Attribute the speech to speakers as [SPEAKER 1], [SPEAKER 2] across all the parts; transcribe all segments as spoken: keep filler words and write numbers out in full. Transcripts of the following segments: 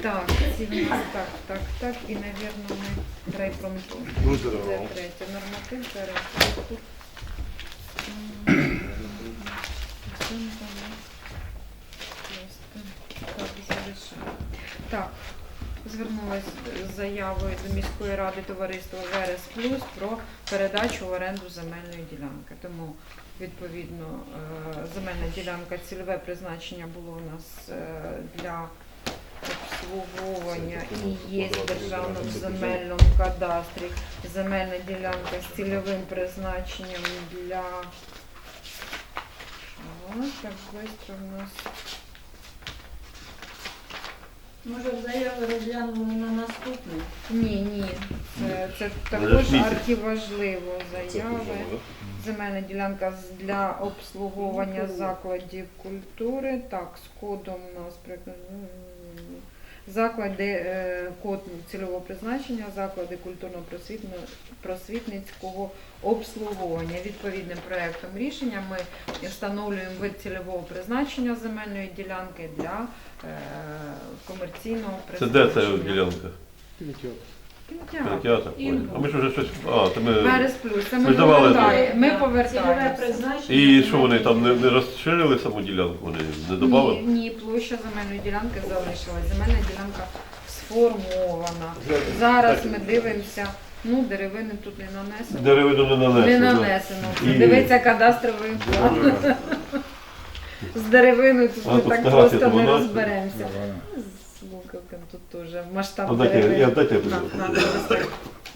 [SPEAKER 1] Так, ці в нас так, так, так, і, мабуть, ми райпромтур.
[SPEAKER 2] Ну,
[SPEAKER 1] Це
[SPEAKER 2] здорово.
[SPEAKER 1] третє. Норматив, це райпромтур. М, це не знаю. Просто так, залишаю. Так, звернулася з заявою до міської ради товариства Верес Плюс про передачу в оренду земельної ділянки. Тому, відповідно, е, земельна ділянка, цільове призначення було у нас е, для обслуговування і є в державному земельному кадастрі земельна ділянка з цільовим призначенням для... О, так швидко в нас...
[SPEAKER 3] Може, заяви розглянули на наступний?
[SPEAKER 1] Ні, ні, це, це також
[SPEAKER 2] Подождіть.
[SPEAKER 1] архіважливо заяви. Земельна ділянка з- для обслуговування закладів культури. Так, з кодом у нас приклад- заклади, е, код цільового призначення, заклади культурно-просвітницького обслуговування. Відповідним проектом рішення ми встановлюємо вид цільового призначення земельної ділянки для е, комерційного
[SPEAKER 2] Це де
[SPEAKER 1] призначення.
[SPEAKER 2] ця ділянка?
[SPEAKER 1] Кінотеатр.
[SPEAKER 2] Кінотеатр. А ми ж вже щось... А, то ми...
[SPEAKER 1] Верес Плюс. Це ми
[SPEAKER 2] Ми давали
[SPEAKER 1] повертаємо. Ми
[SPEAKER 3] Цільове
[SPEAKER 1] повертаємо.
[SPEAKER 3] призначення.
[SPEAKER 2] І що вони там не, не розширили саму ділянку? Вони не додали?
[SPEAKER 1] Ні, ні, площа земельної ділянки залишилась. Земельна ділянка сформована. Зараз ми дивимося. Ну, деревини тут не нанесено.
[SPEAKER 2] Деревину не нанесли.
[SPEAKER 1] Не
[SPEAKER 2] да?
[SPEAKER 1] нанесено. Це
[SPEAKER 2] І-
[SPEAKER 1] дивиться кадастровий план. З деревиною тут
[SPEAKER 2] А,
[SPEAKER 1] ми
[SPEAKER 2] тут
[SPEAKER 1] так
[SPEAKER 2] фотографія
[SPEAKER 1] просто не
[SPEAKER 2] там у нас?
[SPEAKER 1] розберемося. З луковком тут теж масштаб
[SPEAKER 2] А дайте,
[SPEAKER 1] деревини.
[SPEAKER 2] я- дайте я
[SPEAKER 1] На,
[SPEAKER 2] буду.
[SPEAKER 1] на, на,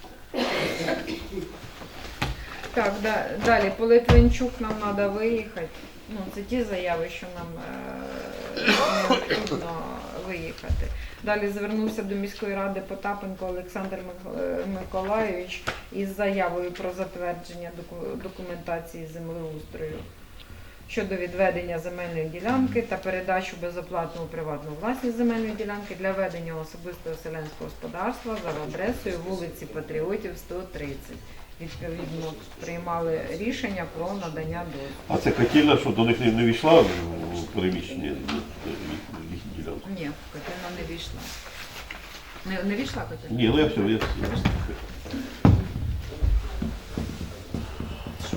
[SPEAKER 1] Так, да, далі, по Литвинчук нам треба виїхати. Ну, це ті заяви, що нам е, необхідно виїхати. Далі звернувся до міської ради Потапенко Олександр Мик- е, Миколайович із заявою про затвердження доку- документації землеустрою щодо відведення земельної ділянки та передачу безоплатну у приватну власність земельної ділянки для ведення особистого селянського господарства за адресою вулиці Патріотів, сто тридцять. Відповідно, приймали рішення про надання дозволу.
[SPEAKER 2] А це котельна, що до них не, не війшла в переміщення їхньої ділянки?
[SPEAKER 1] Ні, котельна не війшла. Не, не війшла котельна?
[SPEAKER 2] Ні, ну я все, я...
[SPEAKER 1] Що?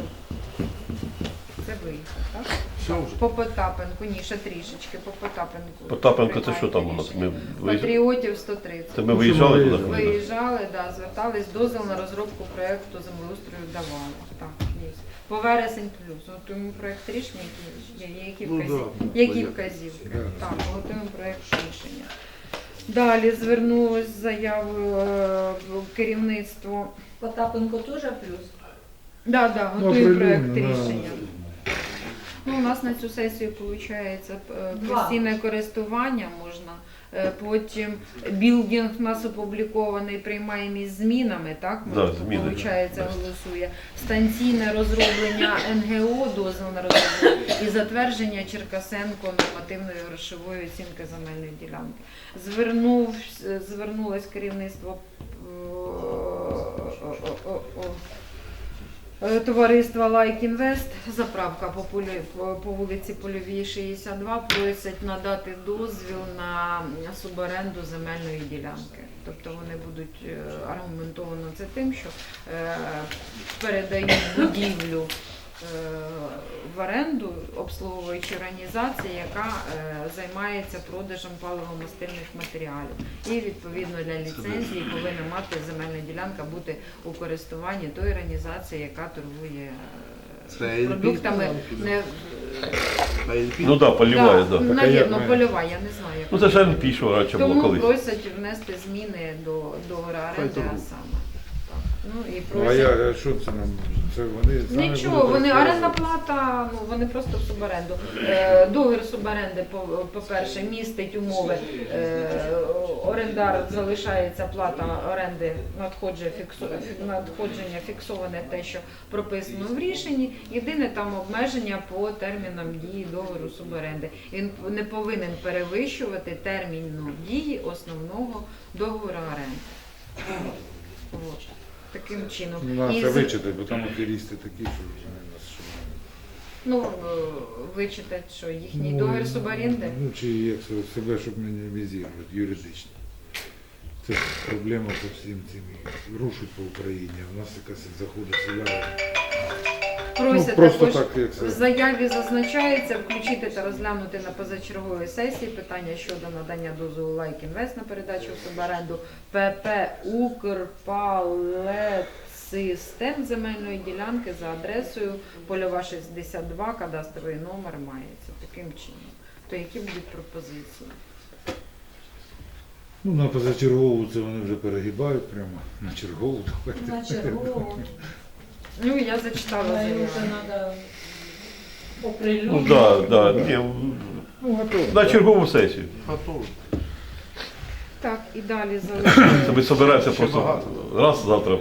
[SPEAKER 1] Це виїхав, так?
[SPEAKER 2] Все вже.
[SPEAKER 1] По Потапенку, ні, ще трішечки, по Потапенку.
[SPEAKER 2] Потапенко це що там у нас?
[SPEAKER 1] Приймаєте
[SPEAKER 2] Ми
[SPEAKER 1] рішення.
[SPEAKER 2] виїжджали?
[SPEAKER 1] Патріотів сто тридцять.
[SPEAKER 2] Це ми виїжджали туди?
[SPEAKER 1] Виїжджали, да, звертались, дозвіл на розробку проєкту землеустрою давали. Так, є. По вересень плюс. Готуємо проєкт рішення, які, є, які,
[SPEAKER 2] Ну,
[SPEAKER 1] вказів...
[SPEAKER 2] да,
[SPEAKER 1] які
[SPEAKER 2] понятно.
[SPEAKER 1] вказівки. Так, готуємо проєкт рішення. Далі звернулось з заявою е, в керівництво.
[SPEAKER 3] Потапенко теж плюс?
[SPEAKER 1] Да, да,
[SPEAKER 4] Ну,
[SPEAKER 1] готуємо проєкт
[SPEAKER 4] определенно, да.
[SPEAKER 1] рішення. Ну, у нас на цю сесію виходить
[SPEAKER 3] Два.
[SPEAKER 1] постійне користування можна. Е, Потім білдинг у нас опублікований, приймаємо із змінами, так?
[SPEAKER 2] Да, зміни,
[SPEAKER 1] Виходить,
[SPEAKER 2] да.
[SPEAKER 1] голосує. Станційне розроблення ен ге о, дозвіл на розроблення і затвердження Черкасенко нормативної грошової оцінки земельної ділянки. Звернув, звернулось керівництво е, о, о, о, о, Е, товариства Like Invest, заправка по, полі, по, по вулиці Польовій, шістдесят два, просять надати дозвіл на суборенду земельної ділянки. Тобто вони будуть е, аргументовано це тим, що е, передають будівлю е, в оренду обслуговуючій організації, яка е, займається продажем паливомастильних матеріалів. І відповідно для ліцензії повинна мати земельна ділянка бути у користуванні тої організації, яка торгує е,
[SPEAKER 2] Це ел пі?
[SPEAKER 1] продуктами. Не,
[SPEAKER 2] Ну так, поліває,
[SPEAKER 1] да,
[SPEAKER 2] так.
[SPEAKER 4] Так, а
[SPEAKER 1] навірно,
[SPEAKER 4] як ми-
[SPEAKER 1] польова, я не знаю. Як
[SPEAKER 2] Ну це ж ел пі, що раніше було
[SPEAKER 1] Тому
[SPEAKER 2] колись.
[SPEAKER 1] просять внести зміни до договору оренди, а
[SPEAKER 2] торгують.
[SPEAKER 1] саме. Так. Ну, і
[SPEAKER 4] Ну, а
[SPEAKER 1] просять...
[SPEAKER 4] я, а що це нам? Це вони самі
[SPEAKER 1] Нічого,
[SPEAKER 4] будуть
[SPEAKER 1] вони орендна
[SPEAKER 4] розказувати?
[SPEAKER 1] плата, ну вони просто в суборенду. Е, договір суборенди, по- по-перше, містить умови. Е, орендар залишається плата оренди надходження, фіксу, надходження фіксоване те, що прописано в рішенні. Єдине там обмеження по термінам дії договору суборенди. Він не повинен перевищувати терміну дії основного договору оренди. От. Таким чином.
[SPEAKER 4] Ну,
[SPEAKER 1] І
[SPEAKER 4] треба
[SPEAKER 1] з-
[SPEAKER 4] вичитати, бо там аферісти такі, що вони нас що.
[SPEAKER 1] Ну, е, вичитати, що їхній
[SPEAKER 4] Ну,
[SPEAKER 1] договір суборенди.
[SPEAKER 4] Ну, чи як це, себе, щоб мінімізувати юридично. Це проблема по всім цим. Рушить по Україні. У нас якась заходить селяни.
[SPEAKER 1] Просять
[SPEAKER 4] Ну, просто
[SPEAKER 1] також
[SPEAKER 4] так, як це.
[SPEAKER 1] в заяві зазначається включити та розглянути на позачерговій сесії питання щодо надання дозволу Лайк Інвест на передачу в суборенду ПП «Укрпалетсистем» земельної ділянки за адресою Польова шістдесят два, кадастровий номер мається. Таким чином. То які будуть пропозиції?
[SPEAKER 4] Ну, на позачергову це вони вже перегибають прямо. На чергову. давайте.
[SPEAKER 3] На чергову.
[SPEAKER 1] Ну, я зачитала
[SPEAKER 3] Але
[SPEAKER 1] заяву.
[SPEAKER 3] вже треба
[SPEAKER 2] Ну
[SPEAKER 3] оприлюднити.
[SPEAKER 2] так, да, да, ні,
[SPEAKER 4] Ну, готово.
[SPEAKER 2] на чергову сесію.
[SPEAKER 1] Так, і далі залишаємо.
[SPEAKER 2] Це ми збираємося просто раз завтра.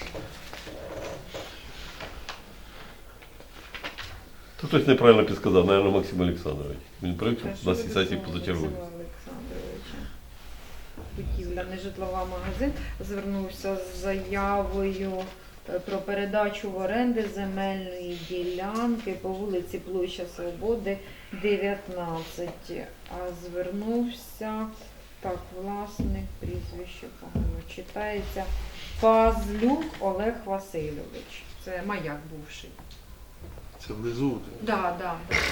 [SPEAKER 2] Тут хтось неправильно підказав, мабуть, Максим Олександрович. Він привик,
[SPEAKER 1] Та
[SPEAKER 2] що
[SPEAKER 1] що
[SPEAKER 2] на цій
[SPEAKER 1] ви
[SPEAKER 2] сесії
[SPEAKER 1] думали,
[SPEAKER 2] позачергові.
[SPEAKER 1] Максима Олександровича? Будівля нежитлова магазин звернувся з заявою е, про передачу в оренди земельної ділянки по вулиці Площа Свободи, дев'ятнадцять. А звернувся, так, власник, прізвище погано читається, Пазлюк Олег Васильович. Це маяк бувший.
[SPEAKER 5] Це внизу.
[SPEAKER 1] Да, да.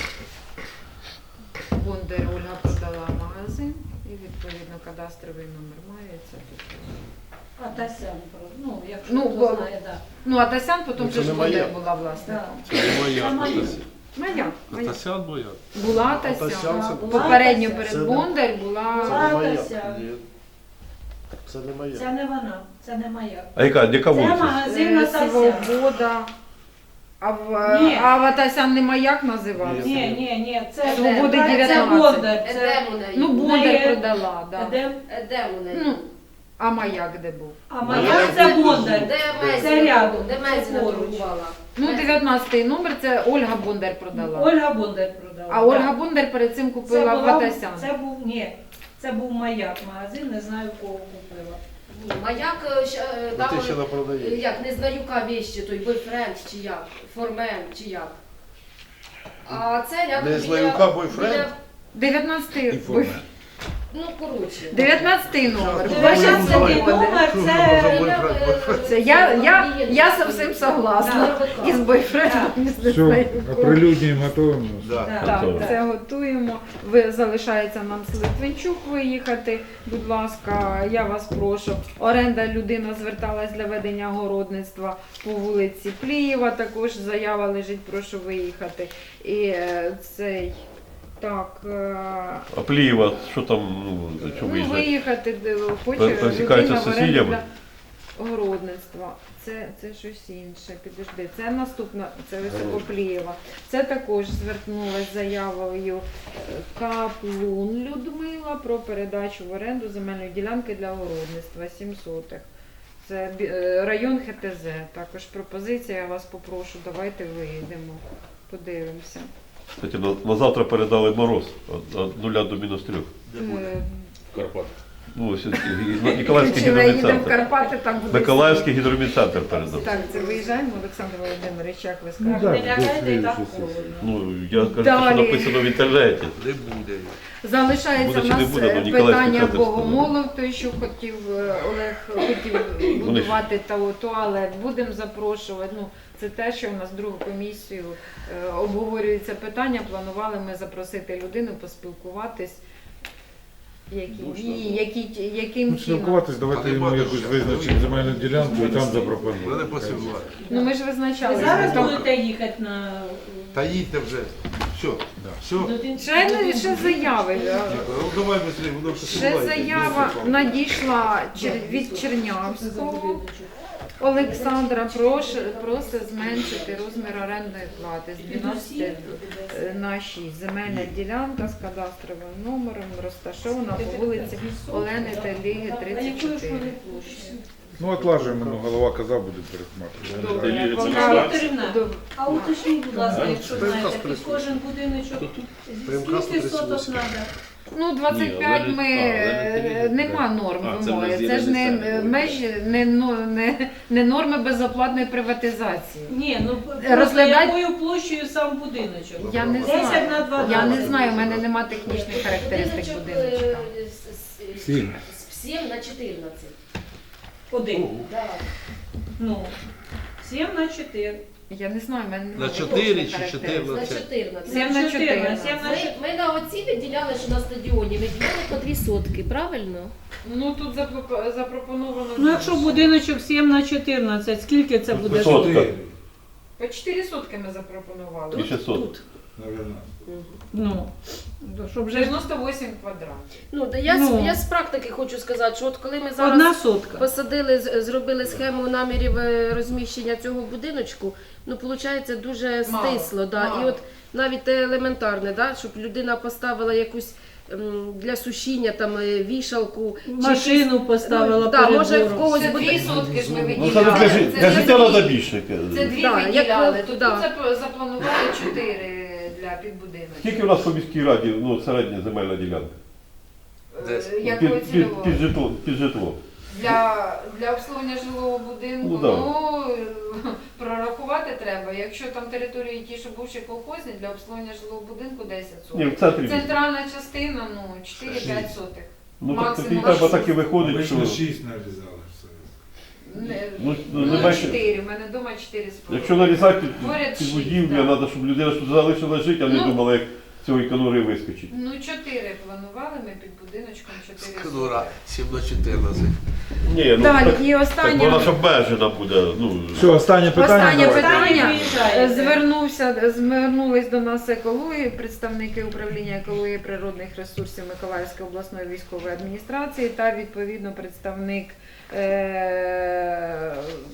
[SPEAKER 1] Бондар Ольга продала магазин і відповідно кадастровий номер мається.
[SPEAKER 3] А Тасян, ну, якщо
[SPEAKER 1] Ну,
[SPEAKER 3] хто
[SPEAKER 1] бо-
[SPEAKER 3] знає, так.
[SPEAKER 1] Ну, а Тасян потім
[SPEAKER 5] Ну,
[SPEAKER 1] вже
[SPEAKER 5] це
[SPEAKER 1] ж
[SPEAKER 5] не
[SPEAKER 1] Бондар
[SPEAKER 5] моя.
[SPEAKER 1] була власником.
[SPEAKER 5] Це не моя.
[SPEAKER 3] Це моя.
[SPEAKER 5] Атасян.
[SPEAKER 1] Моя, моя.
[SPEAKER 5] Атасян моя.
[SPEAKER 1] Була
[SPEAKER 5] Атасян
[SPEAKER 1] Тасян.
[SPEAKER 5] це-
[SPEAKER 3] Була
[SPEAKER 1] Попередньо
[SPEAKER 3] Тасян.
[SPEAKER 1] перед
[SPEAKER 5] Це не-
[SPEAKER 1] Бондар
[SPEAKER 5] Це
[SPEAKER 1] була
[SPEAKER 5] не моя.
[SPEAKER 3] Атасян.
[SPEAKER 5] Ні. Це не моя.
[SPEAKER 3] Це не вона, це не моя.
[SPEAKER 2] А яка, яка
[SPEAKER 3] Це
[SPEAKER 2] вулиця?
[SPEAKER 3] магазин
[SPEAKER 1] е,
[SPEAKER 3] Атасян.
[SPEAKER 1] Свобода. А в,
[SPEAKER 3] Ні.
[SPEAKER 1] а в Атасян не маяк називався?
[SPEAKER 5] Ні.
[SPEAKER 3] Ні, ні, ні, це,
[SPEAKER 1] Свободи
[SPEAKER 3] це
[SPEAKER 1] дев'ятнадцять.
[SPEAKER 3] Бондар. Це
[SPEAKER 6] Едем у неї.
[SPEAKER 1] Ну,
[SPEAKER 3] неї-
[SPEAKER 1] Бондар продала, да.
[SPEAKER 3] Едем.
[SPEAKER 6] Едем у неї.
[SPEAKER 1] Ну, а маяк де був?
[SPEAKER 3] А моя це Бондар.
[SPEAKER 6] Де
[SPEAKER 3] Це
[SPEAKER 6] Мезіна?
[SPEAKER 3] рядом,
[SPEAKER 6] Де
[SPEAKER 3] це
[SPEAKER 6] Мезіна
[SPEAKER 3] поруч.
[SPEAKER 6] торгувала?
[SPEAKER 1] Ну, дев'ятнадцятий номер це Ольга Бондар продала.
[SPEAKER 3] Ольга Бондар продала.
[SPEAKER 1] А Ольга Бондар перед цим
[SPEAKER 3] це
[SPEAKER 1] купила в
[SPEAKER 3] була-
[SPEAKER 1] Атасян.
[SPEAKER 3] Це був, ні, це був маяк магазин, не знаю кого купила.
[SPEAKER 6] Ні, маяк е, щ- е,
[SPEAKER 5] Ну,
[SPEAKER 6] там,
[SPEAKER 5] ти ще не
[SPEAKER 6] е,
[SPEAKER 5] продаєш.
[SPEAKER 6] як, не знаюка віщі, той бойфренд чи як, формен чи як. А це рядом
[SPEAKER 5] Не
[SPEAKER 6] біля-
[SPEAKER 5] знаюка бойфренд?
[SPEAKER 6] біля-
[SPEAKER 1] дев'ятнадцятий
[SPEAKER 4] Інформація.
[SPEAKER 6] Ну, коротше.
[SPEAKER 1] дев'ятнадцятий номер.
[SPEAKER 5] Що?
[SPEAKER 1] Ваша
[SPEAKER 5] Що?
[SPEAKER 1] свобода.
[SPEAKER 3] номер
[SPEAKER 5] Що
[SPEAKER 3] це
[SPEAKER 5] за
[SPEAKER 6] Біля,
[SPEAKER 5] бойфренд?
[SPEAKER 6] е,
[SPEAKER 1] Це я, я,
[SPEAKER 6] біля-
[SPEAKER 1] я зовсім согласна.
[SPEAKER 6] Да.
[SPEAKER 1] Із бойфрендом, і з
[SPEAKER 4] Все,
[SPEAKER 1] нею.
[SPEAKER 4] оприлюднюємо, готуємо.
[SPEAKER 5] Да.
[SPEAKER 1] Так,
[SPEAKER 2] Готово.
[SPEAKER 1] це готуємо. Ви залишається нам з Литвинчук виїхати. Будь ласка, я вас прошу. Оренда людина зверталась для ведення городництва по вулиці Плієва. Також заява лежить, прошу виїхати. І е, цей так. е,
[SPEAKER 2] А Плієва, що там, ну, що
[SPEAKER 1] Ну,
[SPEAKER 2] виїжджає?
[SPEAKER 1] виїхати, де хоче
[SPEAKER 2] Пересікаються
[SPEAKER 1] людина
[SPEAKER 2] з
[SPEAKER 1] в оренду
[SPEAKER 2] сусідями?
[SPEAKER 1] для городництва. Це, це щось інше, підожди. Це наступна, це Високоплієва. Це також звернулася заявою е, Каплун Людмила про передачу в оренду земельної ділянки для городництва сім сотих. Це бі- е, район Х Т З. Також пропозиція, я вас попрошу, давайте виїдемо, подивимося.
[SPEAKER 2] Кстати, на, на завтра передали мороз від від нуля до мінус трьох.
[SPEAKER 1] Е,
[SPEAKER 5] Карпат.
[SPEAKER 2] Ну, ось, і- Ніколаївський
[SPEAKER 1] Чи ми їдемо в
[SPEAKER 2] гідромедцентр.
[SPEAKER 1] Карпати, так буде.
[SPEAKER 2] Миколаївський гідромедцентр передав.
[SPEAKER 1] Так, це виїжджаємо, Олександр Володимирович, як ви
[SPEAKER 4] Ну,
[SPEAKER 1] скажете.
[SPEAKER 4] так,
[SPEAKER 3] Не лягайте і так
[SPEAKER 4] до слідчої
[SPEAKER 3] холодно.
[SPEAKER 2] Ну, я кажу,
[SPEAKER 1] Далі.
[SPEAKER 2] що написано в інтернеті.
[SPEAKER 5] Не буде.
[SPEAKER 1] Залишається
[SPEAKER 2] Буде
[SPEAKER 1] в
[SPEAKER 2] чи не
[SPEAKER 1] нас
[SPEAKER 2] буде, ну,
[SPEAKER 1] е,
[SPEAKER 2] Ніколаївський
[SPEAKER 1] питання
[SPEAKER 2] центр
[SPEAKER 1] Богомолов, той, що хотів е, Олег хотів будувати та туалет. Будемо запрошувати. Ну, це те, що у нас другу комісію е, обговорюється питання. Планували ми запросити людину, поспілкуватись. Які,
[SPEAKER 5] Душно.
[SPEAKER 1] ні, які, яким
[SPEAKER 4] Ну,
[SPEAKER 1] чином.
[SPEAKER 4] спілкуватись, давайте йому якусь визначимо земельну ділянку і там запропонуємо.
[SPEAKER 5] Мене посилувати.
[SPEAKER 1] Ну ми ж
[SPEAKER 3] Ви
[SPEAKER 1] визначали.
[SPEAKER 3] зараз
[SPEAKER 1] Там-
[SPEAKER 3] будете їхати на...
[SPEAKER 5] Та їдьте вже. Все. Все.
[SPEAKER 3] до-
[SPEAKER 1] Ще, не- ще заяви. е,
[SPEAKER 5] Ну давай быстрее, воно
[SPEAKER 1] Ще
[SPEAKER 5] посилається.
[SPEAKER 1] заява надійшла чер- від Чернявського. Олександра прош- просить зменшити розмір орендної плати з дванадцяти на шість. Земельна ділянка з кадастровим номером розташована по вулиці Олени Теліги,
[SPEAKER 3] А
[SPEAKER 1] тридцять
[SPEAKER 3] якою ж
[SPEAKER 1] чотири.
[SPEAKER 3] вони площі?
[SPEAKER 4] Ну, отлажуємо, ну, голова казав, буде пересматривати.
[SPEAKER 1] Добре,
[SPEAKER 2] Це
[SPEAKER 1] пока-
[SPEAKER 3] Вікторівна,
[SPEAKER 1] Добре.
[SPEAKER 3] а уточніть, будь ласка, якщо
[SPEAKER 5] Примкас
[SPEAKER 3] знаєте, під
[SPEAKER 5] присутній.
[SPEAKER 3] кожен будиночок
[SPEAKER 5] Примкас
[SPEAKER 3] скільки соток
[SPEAKER 5] тридцять
[SPEAKER 3] треба?
[SPEAKER 1] Ну, двадцять п'ять ми е, нема норм вимоги. Це ж не е, межі, не, но- не, не норми безоплатної приватизації.
[SPEAKER 3] Ні, ну
[SPEAKER 1] Розглядай-
[SPEAKER 3] просто якою площею сам будиночок?
[SPEAKER 1] Я не
[SPEAKER 3] десять
[SPEAKER 1] знаю.
[SPEAKER 3] на дванадцять.
[SPEAKER 1] Я не знаю, у мене нема технічних характеристик
[SPEAKER 6] Будиночок,
[SPEAKER 1] будиночка.
[SPEAKER 6] е, с- с-
[SPEAKER 4] Сім.
[SPEAKER 6] с- сім на чотирнадцять.
[SPEAKER 3] Один.
[SPEAKER 6] Да.
[SPEAKER 3] Ну, сім на чотири.
[SPEAKER 1] Я не знаю, в мене немає
[SPEAKER 5] На чотири
[SPEAKER 1] точної
[SPEAKER 5] чи
[SPEAKER 1] характеристики.
[SPEAKER 6] На
[SPEAKER 5] чотирнадцять?
[SPEAKER 6] чотирнадцять.
[SPEAKER 1] Сім на чотирнадцять.
[SPEAKER 3] Сім на
[SPEAKER 6] Ми,
[SPEAKER 3] чотири.
[SPEAKER 6] ми на оці виділяли, що на стадіоні виділяли по дві сотки, правильно?
[SPEAKER 1] Ну тут запро- запропоновано.
[SPEAKER 3] Ну, якщо будиночок сім на чотирнадцять, скільки це буде?
[SPEAKER 2] Сотка.
[SPEAKER 4] Чотири,
[SPEAKER 1] По чотири сотки ми запропонували.
[SPEAKER 2] І шістсот.
[SPEAKER 6] Тут.
[SPEAKER 4] наверно.
[SPEAKER 3] Ну, то щоб вже
[SPEAKER 1] дев'яносто вісім квадратів.
[SPEAKER 6] Ну, да я,
[SPEAKER 3] Ну.
[SPEAKER 6] з- я з практики хочу сказати, що от коли ми зараз
[SPEAKER 3] одна сотка.
[SPEAKER 6] посадили, з- зробили схему намірів е, розміщення цього будиночку, ну, виходить, дуже
[SPEAKER 1] Мало,
[SPEAKER 6] стисло. Да.
[SPEAKER 1] мало.
[SPEAKER 6] І от навіть те елементарне, да, щоб людина поставила якусь ем, для сушіння там е, вішалку. чи
[SPEAKER 3] Машину
[SPEAKER 6] якісь-
[SPEAKER 3] поставила
[SPEAKER 6] ну, да,
[SPEAKER 3] перед
[SPEAKER 6] може в
[SPEAKER 3] двором.
[SPEAKER 6] когось
[SPEAKER 1] Це
[SPEAKER 6] буде.
[SPEAKER 1] дві сотки ж ми
[SPEAKER 2] Ну,
[SPEAKER 1] виділяли.
[SPEAKER 2] це для, жи-
[SPEAKER 1] Це
[SPEAKER 2] для
[SPEAKER 1] дві-
[SPEAKER 2] життя треба більше.
[SPEAKER 1] Це дві
[SPEAKER 6] Да, як
[SPEAKER 1] виділяли.
[SPEAKER 6] ви-
[SPEAKER 1] Тут
[SPEAKER 6] да.
[SPEAKER 1] зап- запланували чотири для підбудиночку.
[SPEAKER 2] Скільки у нас по міській раді, ну, середня земельна ділянка?
[SPEAKER 5] Десь.
[SPEAKER 1] Е, Якого
[SPEAKER 2] Під, під,
[SPEAKER 1] цільового?
[SPEAKER 2] під, житло, під житло.
[SPEAKER 1] Для, для обслуговування жилого будинку,
[SPEAKER 2] Ну,
[SPEAKER 1] ну,
[SPEAKER 2] да.
[SPEAKER 1] прорахувати треба. Якщо там території ті, що бувші колхозні, для обслуговування жилого будинку десять
[SPEAKER 2] Ні,
[SPEAKER 1] соток.
[SPEAKER 2] в центрі.
[SPEAKER 1] Центральна частина, ну, чотири-п'ять сотих.
[SPEAKER 2] Ну, так
[SPEAKER 1] максимум
[SPEAKER 2] тоді треба
[SPEAKER 1] шість.
[SPEAKER 2] так і виходить, що...
[SPEAKER 4] Обично шість нарізали все.
[SPEAKER 1] Не,
[SPEAKER 2] Ну,
[SPEAKER 1] ну,
[SPEAKER 2] не бачите.
[SPEAKER 1] чотири, в мене вдома чотири з половиною.
[SPEAKER 2] Якщо нарізати під,
[SPEAKER 1] Поряд
[SPEAKER 2] під
[SPEAKER 1] шість,
[SPEAKER 2] будівлю,
[SPEAKER 1] да.
[SPEAKER 2] треба, щоб людина тут залишила жити, а не
[SPEAKER 1] Ну.
[SPEAKER 2] думала, як з цієї конури вискочить.
[SPEAKER 1] Ну, чотири планували ми під будиночком, чотири
[SPEAKER 5] Конура,
[SPEAKER 1] сотки.
[SPEAKER 5] сім на чотирнадцять.
[SPEAKER 2] Ні, ну
[SPEAKER 1] Далі,
[SPEAKER 2] так,
[SPEAKER 1] і
[SPEAKER 2] так
[SPEAKER 1] останнє.
[SPEAKER 2] вона ж обмежена буде. Ну,
[SPEAKER 4] Все, останнє питання.
[SPEAKER 1] Останнє
[SPEAKER 4] давайте.
[SPEAKER 1] питання.
[SPEAKER 3] Приїжджаєте.
[SPEAKER 1] Звернувся, звернулись до нас екології, представники управління екології природних ресурсів Миколаївської обласної військової адміністрації та відповідно представник е-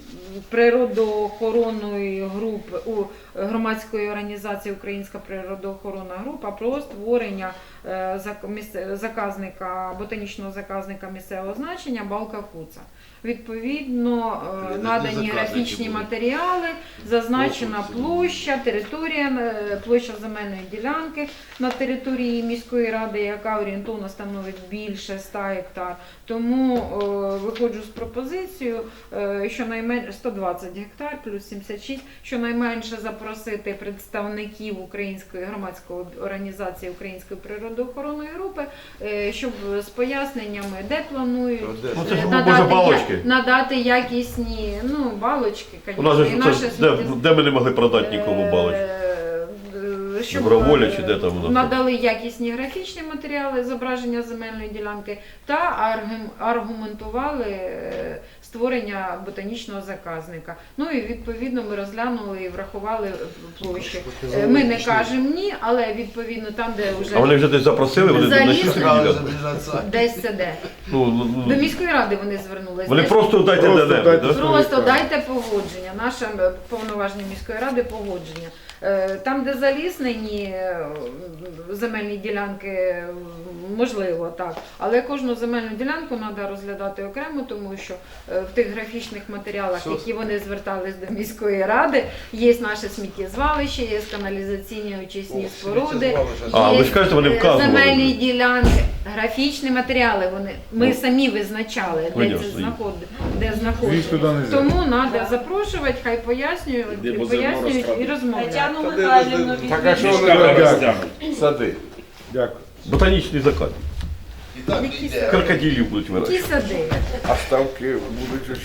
[SPEAKER 1] природоохоронної групи у громадської організації Українська природоохоронна група про створення е, зак- місце- заказника ботанічного заказника місцевого значення Балка Куца. Відповідно, е,
[SPEAKER 5] Не
[SPEAKER 1] надані
[SPEAKER 5] заказники
[SPEAKER 1] графічні
[SPEAKER 5] будуть.
[SPEAKER 1] матеріали, зазначена
[SPEAKER 5] Конкурси.
[SPEAKER 1] площа, територія, е, площа земельної ділянки на території міської ради, яка орієнтовно становить більше ста гектар. Тому е, виходжу з пропозицією, е, що найменше сто двадцять гектар плюс сімдесят шість, щонайменше запросити представників Української громадської організації Української природоохоронної групи, е, щоб з поясненнями, де планують.
[SPEAKER 2] ну це ж
[SPEAKER 1] Надати,
[SPEAKER 2] може
[SPEAKER 1] я-
[SPEAKER 2] балочки.
[SPEAKER 1] надати якісні, ну, балочки,
[SPEAKER 2] У нас же
[SPEAKER 1] звісно, і
[SPEAKER 2] ж
[SPEAKER 1] наше
[SPEAKER 2] це, де,
[SPEAKER 1] сміття-
[SPEAKER 2] де ми не могли продати нікому балочки?
[SPEAKER 1] Е, е, щоб
[SPEAKER 2] Доброволя
[SPEAKER 1] е,
[SPEAKER 2] чи де там воно?
[SPEAKER 1] надали якісні графічні матеріали, зображення земельної ділянки та аргум- аргументували е, створення ботанічного заказника. Ну і відповідно ми розглянули і врахували площі. Е, Ми не кажемо ні, але відповідно там, де вже
[SPEAKER 2] А вони вже десь запросили, вони
[SPEAKER 1] Заліз.
[SPEAKER 2] знайшли собі ділянку?
[SPEAKER 1] десь це де.
[SPEAKER 2] Ну, ну,
[SPEAKER 1] До
[SPEAKER 2] ну,
[SPEAKER 1] міської ради вони звернулися.
[SPEAKER 2] вони
[SPEAKER 1] Десь-
[SPEAKER 2] просто дайте
[SPEAKER 4] Просто
[SPEAKER 2] де
[SPEAKER 4] дайте
[SPEAKER 2] да?
[SPEAKER 4] свої
[SPEAKER 1] Просто
[SPEAKER 4] скарги.
[SPEAKER 1] дайте погодження, наше е, повноваження міської ради погодження. Е, Там, де заліснені е, земельні ділянки, е, можливо, так. Але кожну земельну ділянку треба розглядати окремо, тому що е, в тих графічних матеріалах,
[SPEAKER 5] Все.
[SPEAKER 1] які вони звертались до міської ради, є наше сміттєзвалище, є каналізаційні очисні споруди.
[SPEAKER 2] А,
[SPEAKER 1] є,
[SPEAKER 2] ви ж кажете, вони
[SPEAKER 1] е,
[SPEAKER 2] вказували.
[SPEAKER 1] земельні ділянки, графічні матеріали. Вони ми
[SPEAKER 2] Ну,
[SPEAKER 1] самі визначали, де
[SPEAKER 2] понятно.
[SPEAKER 1] це знаходить, де
[SPEAKER 4] Їх
[SPEAKER 1] знаходиться.
[SPEAKER 4] туди не взяти.
[SPEAKER 1] Тому треба запрошувати, хай пояснюють,
[SPEAKER 7] Іди, бо
[SPEAKER 1] пояснюють і
[SPEAKER 7] зерно
[SPEAKER 1] розмовляють.
[SPEAKER 3] Тетяну Михайлівну
[SPEAKER 4] Так, а що
[SPEAKER 3] відвідують.
[SPEAKER 4] вони роблять?
[SPEAKER 5] Сади.
[SPEAKER 4] Дякую.
[SPEAKER 2] Ботанічний закат.
[SPEAKER 5] І так
[SPEAKER 1] Які
[SPEAKER 5] йде.
[SPEAKER 2] Крокодилів будуть
[SPEAKER 1] Ті
[SPEAKER 2] вирощувати.
[SPEAKER 1] сади.
[SPEAKER 7] А ставки будуть